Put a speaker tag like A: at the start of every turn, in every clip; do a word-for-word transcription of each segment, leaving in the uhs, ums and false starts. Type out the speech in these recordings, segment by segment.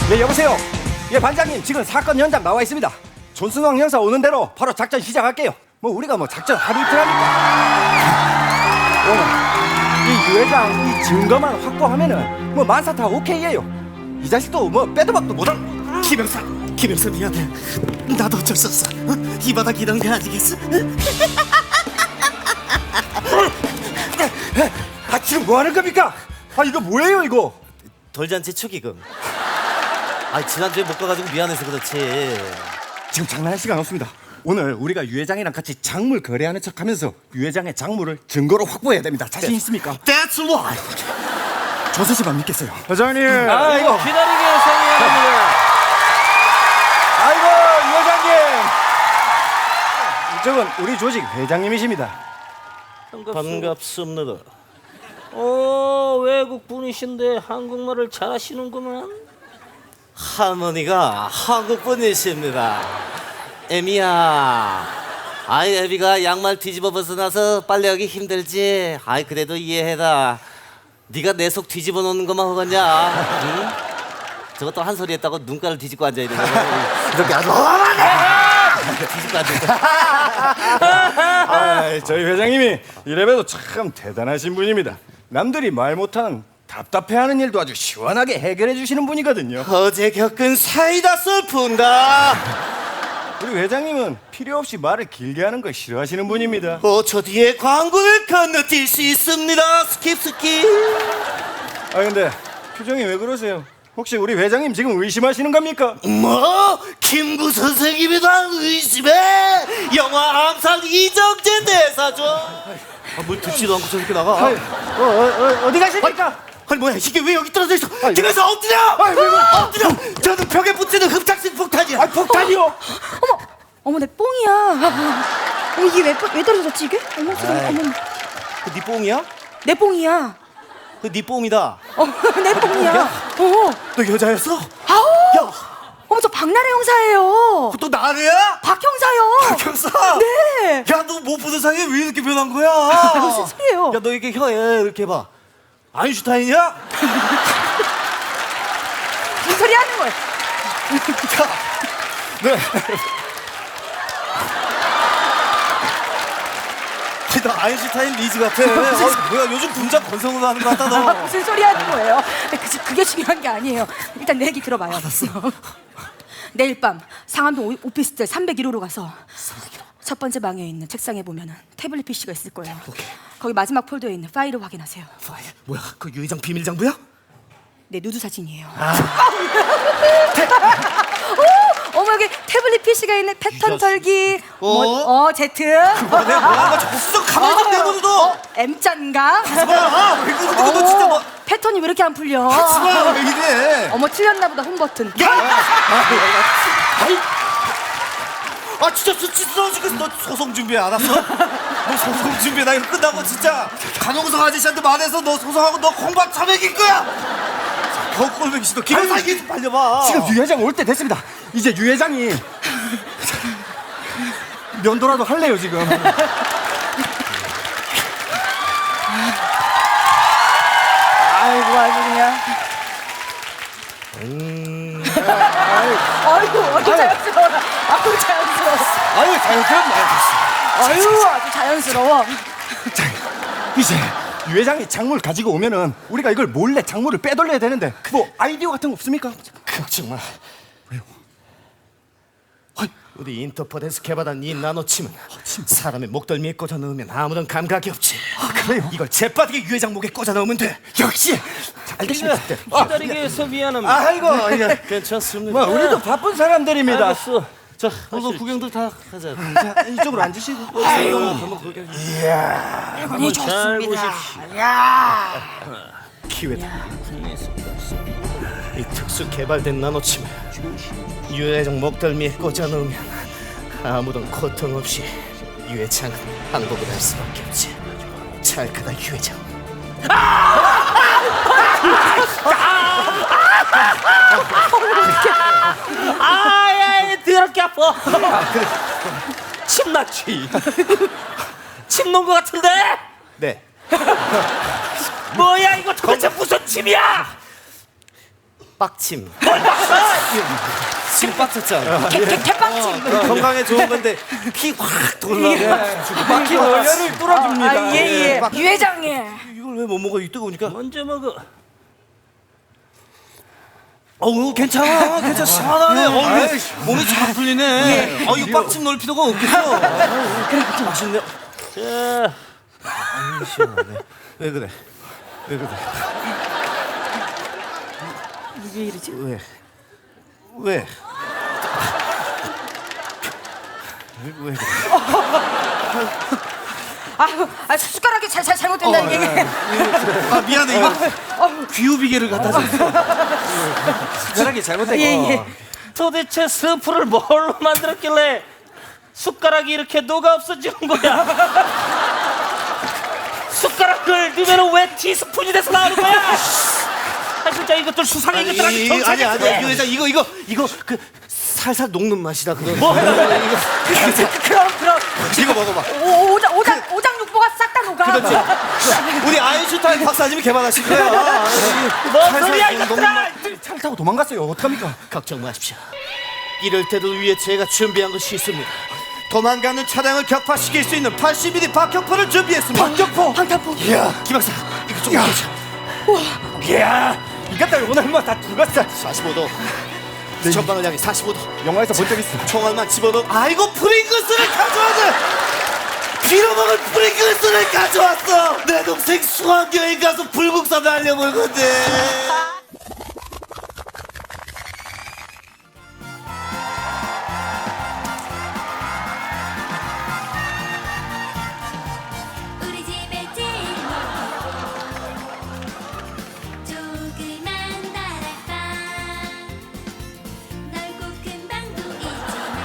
A: 네, 여보세요. 예, 반장님, 지금 사건 현장 나와 있습니다. 존승왕 형사 오는 대로 바로 작전 시작할게요. 뭐 우리가 뭐 작전 하루 이틀 합니까? 오늘 이 유 회장 이 증거만 확보하면은 뭐 만사타 오케이예요. 이 자식도 뭐 빼도 박도 못할.
B: 김영사, 김영사 미안해. 나도 어쩔 수 없어. 어? 이 바닥 이런 게 아니겠어?
A: 아, 지금 뭐 하는 겁니까? 아, 이거 뭐예요, 이거?
B: 돌잔치 축의금. 아, 지난주에 못 가가지고 미안해서 그렇지.
A: 지금 장난할 시간 없습니다. 오늘 우리가 유 회장이랑 같이 작물 거래하는 척하면서 유 회장의 작물을 증거로 확보해야 됩니다. 자신 있습니까?
B: That's right.
A: 조서 씨만 믿겠어요. 회장님.
C: 아, 이거 기다리게 해서 미안합니다.
A: 아이고, 유 회장님. 이쪽은 우리 조직 회장님이십니다.
B: 반갑습니다.
C: 어, 외국 분이신데 한국말을 잘하시는구만.
B: 할머니가 한국 분이십니다. 애미야, 아이 애비가 양말 뒤집어 벗어나서 빨래하기 힘들지. 아이 그래도 이해해라. 네가 내 속 뒤집어 놓는 것만 허겄냐? 응? 저것도 한 소리 했다고 눈가를 뒤집고 앉아야 되는 거야. 이렇게 아주 뒤집고 앉아.
A: 아, 저희 회장님이 이래봬도 참 대단하신 분입니다. 남들이 말 못하는 답답해하는 일도 아주 시원하게 해결해 주시는 분이거든요.
B: 어제 겪은 사이다 슬픈가?
A: 우리 회장님은 필요 없이 말을 길게 하는 걸 싫어하시는 분입니다.
B: 오 초 뒤에 광고를 건너뛸 수 있습니다. 스킵 스킵.
A: 아, 근데 표정이 왜 그러세요? 혹시 우리 회장님 지금 의심하시는 겁니까?
B: 뭐? 김구 선생님이다 의심해? 영화 암살 이정재 대사죠. 아, 뭘 듣지도 않고 저렇게 나가?
A: 어, 어, 어, 어디 가십니까?
B: 아니 뭐야 이게 왜 여기 떨어져 있어? 김에서 엎드려!
A: 아니, 왜, 왜,
B: 엎드려! 저는 벽에 붙이는 흡착식 폭탄이야.
A: 아, 폭탄이요?
D: 어머, 어머 내 뽕이야. 어머 이게 왜, 왜 떨어졌지 이게? 어머 세상에, 어머
B: 그네 뽕이야?
D: 내 뽕이야.
B: 그네 뽕이다.
D: 어, 내 뽕이야. 어,
B: 너 여자였어?
D: 아우.
B: 야,
D: 어머 저 박나래 형사예요.
B: 또 나래야?
D: 박 형사요.
B: 경사.
D: 네.
B: 야, 너 못 보던 사이에 왜 이렇게 변한 거야?
D: 무슨 소리예요?
B: 야, 너 이렇게 혀에 이렇게 해봐. 아인슈타인이야?
D: 무슨 소리 하는 거야?
A: 네.
B: 너 아인슈타인 리즈 같아. 어, 뭐야 요즘 분장 건성으로 하는 거 같다 너.
D: 무슨 소리 하는 거예요? 그, 그게 중요한 게 아니에요. 일단 내 얘기 들어봐요. 내일 밤 상암동 오- 오피스텔 삼백일 호로 가서 첫 번째 방에 있는 책상에 보면은 태블릿 피씨가 있을 거예요. 거기 마지막 폴더에 있는 파일을 확인하세요.
B: 파일. 뭐야 그 유 회장 비밀 장부야?
D: 내 누드 사진이에요. 오, 어머 여기 태블릿 피씨가 있는 패턴 털기. 뭐, 어 제트.
B: 아, 내가 뭐야 저 쑥 가만히 좀 내버려 둬.
D: M자인가?
B: 아, 왜 그러는 거야 너
D: 어머,
B: 진짜 뭐.
D: 패턴이 왜 이렇게 안 풀려?
B: 아, 왜 이래?
D: 어머 틀렸나 보다 홈 버튼.
B: 아 진짜 수치스러워 죽겠어. 너 소송 준비해 알았어? 너 소송 준비해. 나 이거 끝나고 진짜 강용석 아저씨한테 말해서 너 소송하고 너 공방 참여길 거야. 더 꼴보기 싫어. 김영사 이게 좀 빨려봐.
A: 지금 유 회장 올 때 됐습니다. 이제 유 회장이 면도라도 할래요 지금.
D: 아이고 아주 그냥.
A: 음.
D: 아이고 아주 자연스러워. 아주 자연스러워.
A: 아유, 자연스럽네.
D: 아유 아주 자연스러워.
A: 이제 유 회장이 작물 가지고 오면은 우리가 이걸 몰래 작물을 빼돌려야 되는데 뭐 아이디어 같은 거 없습니까?
B: 걱정 마. 왜요? 우리 인터폴에서 개발한 이 나노침은 사람의 목덜미에 꽂아 넣으면 아무런 감각이 없지.
A: 아, 그래요?
B: 이걸 재빠르게 유 회장 목에 꽂아 넣으면 돼.
A: 역시 알겠습니다.
C: 기다리게 해서 미안합니다.
A: 아이고, 예.
B: 괜찮습니다.
A: 뭐 우리도 바쁜 사람들입니다.
C: 알았어.
B: 자, 어서 구경들 다 하자.
A: 자, 이쪽으로 앉으시고.
B: 한번 구경.
D: 아니
C: 잘
D: 좋습니다.
B: 기회다. 이 특수 개발된 나노침을 유 회장 목덜미에 꽂아 넣으면 아무런 고통 없이 유 회장은 항복을 할 수밖에 없지. 잘 크다 유 회장.
C: 아야, 더럽게 아파. 침 났지. 침 놓은 거 같은데?
B: 네.
C: 뭐야 이거 도대체 무슨 침이야?
B: 빡침. 침 빡쳤잖아.
D: 개, 개, 개빵침.
B: 건강에 좋은 건데 피 확 돌라고.
A: 막힌 원료를 뚫어줍니다.
D: 아, 예, 예. 유 회장님.
B: 이걸 왜 못 먹어? 이 뜨거우니까.
C: 먼저 먹어.
B: 어우 괜찮아, 괜찮아. 시원하네. 어,
A: 아이,
B: 몸이 잘 풀리네. 어, 이거 빡침 넣을 필요가 없겠어. 맛있네.
C: 자,
B: 왜 그래? 왜 그래?
D: 이게 이러지?
B: 왜? 왜? 왜 그래?
D: 아, 아 숟가락이 잘, 잘 잘못된다 이게.
B: 아 미안해 이거 귀요비계를 갖다 줬어. 숟가락이 잘못된
D: 예, 예.
C: 도대체 스프를 뭘로 만들었길래 숟가락이 이렇게 녹아 없어지는 거야? 숟가락을 넣으면 왜 티스푼이 돼서 나오는 거야? 아 진짜 이것들 수상해
B: 아니
C: 이것들
B: 아니
C: 경찰에
B: 아니
C: 그래.
B: 이거 회장 이거 이거 이거 그 살살 녹는 맛이다 그거.
C: 뭐?
D: 그럼 그럼
B: 이거 먹어봐.
D: 오, 오장 오장 오장 육보가 싹 다 녹아.
B: 우리 아인슈타인 박사님이 개발하신 거야.
C: 뭔 소리야 이것들아!
A: 차를 타고 도망갔어요. 어떡합니까?
B: 걱정 마십시오. 이럴 때도 위에 제가 준비한 것이 있습니다. 도망가는 차량을 격파시킬 수 있는 팔십 밀리미터 박격포를 준비했습니다.
A: 박격포.
D: 방탄포.
A: 이야,
B: 김 박사 이거 좀
A: 야.
B: 보자.
A: 이야, 이것들 오늘 한번 다 죽었어.
B: 사십오 도. 전방을 향해 사십오 도.
A: 영화에서 본 적 있어.
B: 총알만 집어넣어. 아이고 프링글스를 가져왔네. 빌어먹은 프링글스를 가져왔어. 내 동생 수학여행 가서 불국사 날려볼 건데.
E: 우리 집에 제일 조그만 다락방 넓고 큰 방도 있지만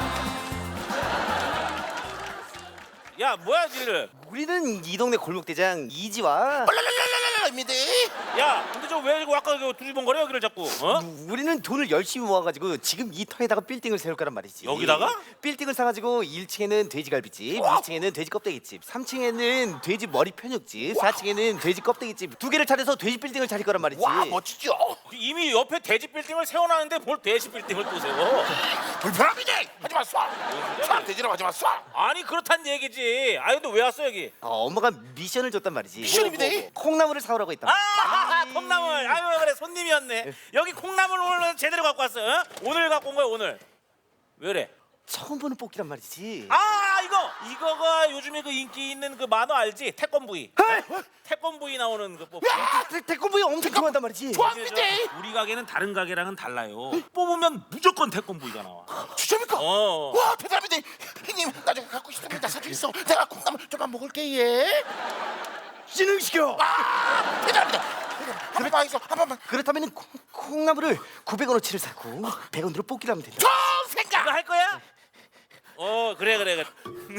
C: 야 뭐야 니들?
B: 우리는 이 동네 골목대장 이지와
F: 입니다.
C: 야 근데 저 왜 아까 그 두리번거려 여기를 자꾸 어?
B: 우리는 돈을 열심히 모아가지고 지금 이 터에다가 빌딩을 세울 거란 말이지.
C: 여기다가?
B: 빌딩을 사가지고 일 층에는 돼지갈비집, 이 층에는 돼지 껍데기집, 삼 층에는 돼지 머리 편육집, 사 층에는 돼지 껍데기집 두 개를 차려서 돼지 빌딩을 차릴 거란 말이지.
F: 와 멋지죠.
C: 이미 옆에 돼지 빌딩을 세워놨는데 뭘 돼지 빌딩을 또 세워?
F: 불편합니다. 하지마 쏴. 쏴 돼지라고 하지마 쏴.
C: 아니 그렇단 얘기지. 아니 근데 왜 왔어 여기?
B: 어, 엄마가 미션을 줬단 말이지.
F: 미션입니다.
B: 뭐, 뭐, 콩나물을 사오라고 했단 말이야.
C: 아 콩나물. 아유 그래 손님이었네. 여기 콩나물 오늘 제대로 갖고 왔어. 어? 오늘 갖고 온 거야 오늘. 왜래?
B: 처음 보는 뽑기란 말이지.
C: 아 이거 이거가 요즘에 그 인기 있는 그 만화 알지? 태권브이. 태권브이 나오는 그 뽑기.
B: 태- 태권브이 엄청 좋아한단 말이지.
F: 좋아합니다.
C: 우리 가게는 다른 가게랑은 달라요. 뽑으면 무조건 태권브이가 나와.
F: 추천입니까?
C: 어.
F: 와 대단합니다. 형님 나중에 갖고 싶습니다. 사주 있어. 내가 콩나물 좀만 먹을게 예.
B: 진흥시켜.
F: 아 대단합니다. 한 번만 있어. 한 번만.
B: 그렇다면 콩, 콩나물을 구백 원어치를 사고 백 원으로 뽑기를 하면 된다.
F: 좋은 생각.
C: 이거 할 거야? 어 그래 그래 그래.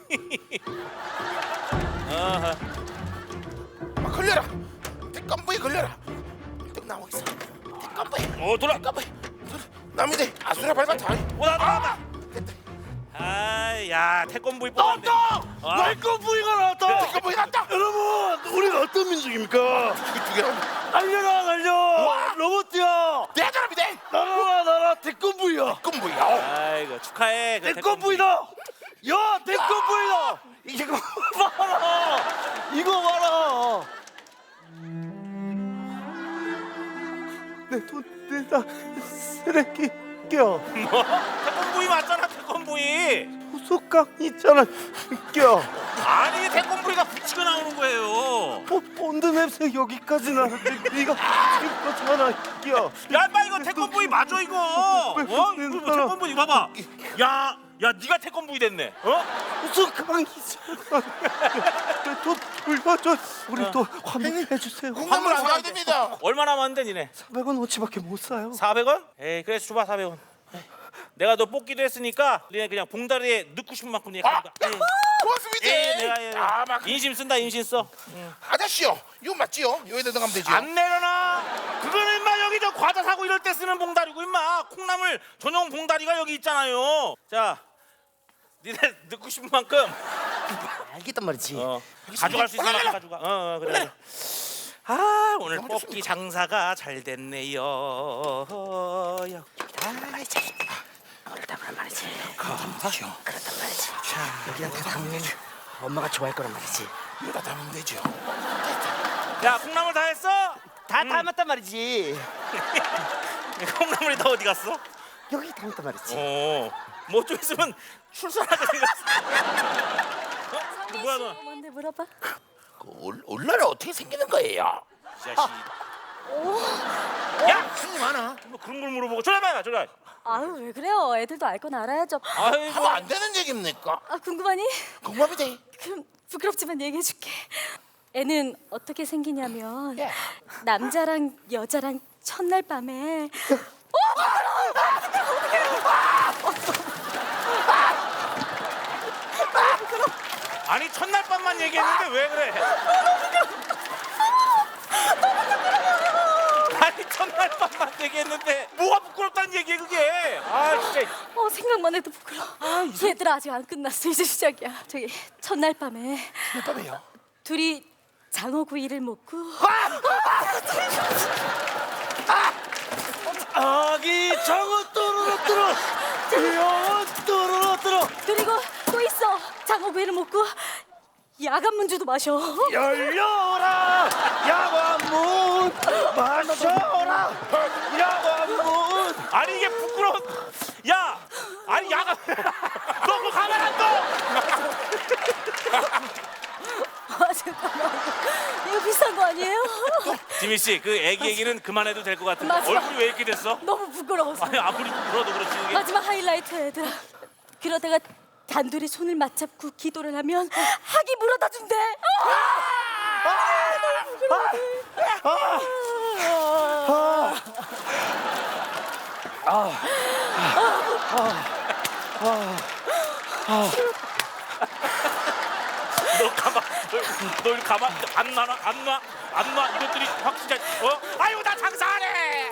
C: 어허.
F: 아, 걸려라. 태권부에 걸려라. 뚝 나오고 있어. 태권부에.
C: 어 돌아.
F: 태권부에. 남이들 아수라 밟았다.
C: 오나 나왔다. 아야 태권브이 뽑았네. 아.
F: 태권부가 나왔다. 태권부가 나왔다.
G: 여러분, 우리가 어떤 민족입니까?
F: 두 개로.
G: 달려라 달려! 로봇 뛰어!
F: 대단합니다.
G: 날아라 날아 태권부이야!
F: 태권부야.
C: 아이고 축하해. 그
G: 태권부이다! 야 태권부이다! 이거 봐라! 이거 봐라! 내 돈 내다 쓰레기 껴
C: 뭐? 태권브이 맞잖아 태권브이.
G: 소강 있잖아 껴
C: 아니 태권브이가 붙이고 나오는 거예요.
G: 보- 본드 냄새 여기까지 나는데 네가 지금 거잖아 껴
C: 야 인마 이거 태권브이 맞아 이거. 어?
G: 왜
C: 이거
G: 그러는
C: 뭐
G: 거야?
C: 태권브이 봐봐. 야, 야 네가 태권브이 됐네. 어?
G: 소강 있잖아 돈 돌려줘 우리 또 환불해 주세요
F: 콩나물 안 가야 됩니다.
C: 얼마 남았는데 니네?
G: 사백 원어치밖에 못 사요
C: 사백 원? 에이 그래 줘봐 사백 원. 내가 너 뽑기도 했으니까 니네 그냥 봉다리에 넣고 싶은 만큼 니네
F: 아,
C: 가져가.
F: 고맙습니다.
C: 예, 내가 예.
F: 아, 막
C: 인심 쓴다 인심 써.
F: 아저씨요. 이거 맞지요? 여기다 넣으면 되죠.
C: 안 내려놔. 그거는 임마 여기 저 과자 사고 이럴 때 쓰는 봉다리고 임마 콩나물 전용 봉다리가 여기 있잖아요. 자, 니네 넣고 싶은 만큼
B: 알겠단 말이지.
C: 어, 가져갈 수 있는 만큼 가져가. 어, 어 그래. 그래. 아 오늘 뽑기 장사가 잘 됐네요.
F: 아이 자식. 그렇단 말이지. 그렇죠. 그렇단 말이지. 자 여기한테 담으면 엄마가 좋아할 거란 말이지. 여기다 담으면 되죠.
C: 야 콩나물 다 했어?
G: 다 담았단 말이지.
C: 콩나물이 다 어디 갔어?
G: 여기 담았단 말이지.
C: 어, 뭐 좀 있으면 출산하게 생겼어. 어? 뭐야 너?
E: 뭔데 물어봐.
F: 그 올, 올라라 어떻게 생기는 거예요?
C: 이 자식. 야,
F: 무슨 많아?
C: 뭐 그런 걸 물어보고 저리 봐, 저리 봐.
E: 아유 왜 그래요? 애들도 알 건 알아야죠.
C: 아이고.
F: 하면 안 되는 얘기입니까?
E: 아 궁금하니?
F: 궁금이 돼.
E: 그럼 부끄럽지만 얘기해줄게. 애는 어떻게 생기냐면
F: 예.
E: 남자랑 여자랑 첫날 밤에
C: 아니 첫날 밤만 얘기했는데 왜 그래? 아니 첫날 밤만 얘기했는데 뭐가 부끄럽다는 얘기야 그게? 아 진짜.
E: 어 생각만 해도 부끄러워. 얘들아 아직 안 끝났어. 이제 시작이야. 저기 첫날 밤에
F: 몇 밤에요?
E: 둘이 장어구이를 먹고
G: 아기 장어 또르르 여 또르르
E: 그리고 또 있어. 장어구이를 먹고 야간 문주도 마셔.
G: 열려라 야관문 마셔라 야관문.
C: 아니 이게 부끄러워. 야, 아니 야가. 너 그거 가만 안 둬.
E: 아 잠깐만. 이거 비싼 거 아니에요?
C: 지민 씨, 그 애기 얘기는 그만해도 될 것 같은데
E: 맞아.
C: 얼굴이 왜 이렇게 됐어?
E: 너무 부끄러워서.
C: 아니 아무리 부끄러워도 그렇지 이게.
E: 마지막 하이라이트 얘들아. 그러다가 단둘이 손을 맞잡고 기도를 하면 학이 물어다 준대.
C: 너 가만, 너, 너 가만 안 놔, 안 놔, 안 놔. 이것들이 확실히 어? 아유 나 장사하네.